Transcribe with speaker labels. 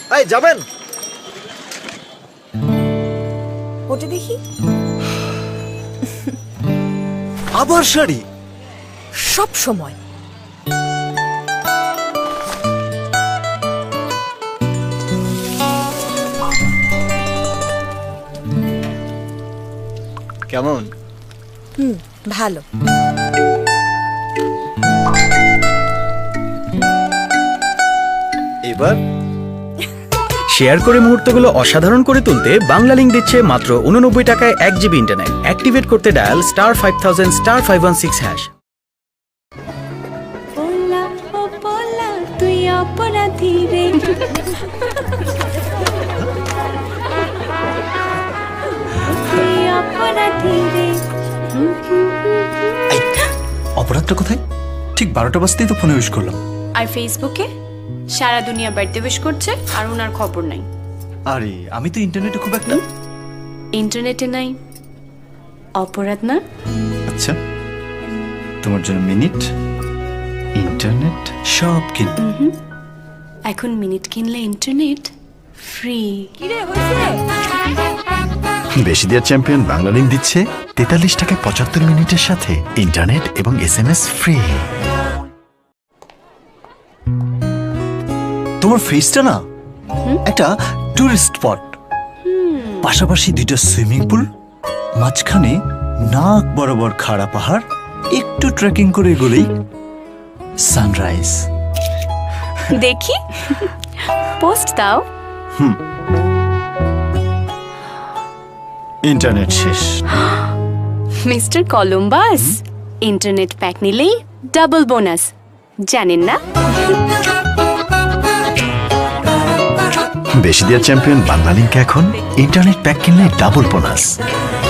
Speaker 1: এই যাবেন?
Speaker 2: ওটা দেখি।
Speaker 1: আবার শাড়ি?
Speaker 2: সব সময়।
Speaker 1: কেমন?
Speaker 2: ভালো।
Speaker 1: এবার
Speaker 3: শেয়ার করে মুহূর্তগুলো অসাধারণ করে তুলতে বাংলালিংক দিচ্ছে মাত্র 89 টাকায় 1 জিবি ইন্টারনেট। অ্যাক্টিভেট করতে ডায়াল *5000 *516 হ্যাশ।
Speaker 4: পোলা ও পোলা তুই অপরাধী রে, তুই অপরাধী রে।
Speaker 5: অপরাধটা কোথায়? ঠিক 12টা বাজতেই তো ফোনে উইশ করলাম।
Speaker 6: আর ফেসবুকে সারা দুনিয়া বার্থডে উইশ করছে আর ওনার খবর নাই।
Speaker 5: আরে আমি তো ইন্টারনেটে খুব একটা।
Speaker 6: ইন্টারনেটে নাই অপরাধ না?
Speaker 5: আচ্ছা, তোমার জন্য মিনিট, ইন্টারনেট সব কিন।
Speaker 6: এখন মিনিট কিনলে ইন্টারনেট ফ্রি।
Speaker 7: বেশি দেওয়ার চ্যাম্পিয়ন বাংলালিংক দিচ্ছে 43 টাকায় 75 মিনিটের সাথে ইন্টারনেট এবং SMS ফ্রি।
Speaker 5: তোমার ফেসটা না একটা টুরিস্ট স্পট, পাশাপাশি 2টা সুইমিং পুল, মাঝখানে নাক বরাবর খাড়া পাহাড়, একটু ট্রেকিং করে গেলেই সানরাইজ।
Speaker 6: দেখি পোস্ট দাও।
Speaker 5: ইন্টারনেট শেষ।
Speaker 6: মিস্টার কলম্বাস, ইন্টারনেট প্যাক নিলেই ডাবল বোনাস, জানেন না?
Speaker 7: বেশি দেওয়ার চ্যাম্পিয়ন বাংলালিংক এখন ইন্টারনেট প্যাক কিনলে ডাবল বোনাস।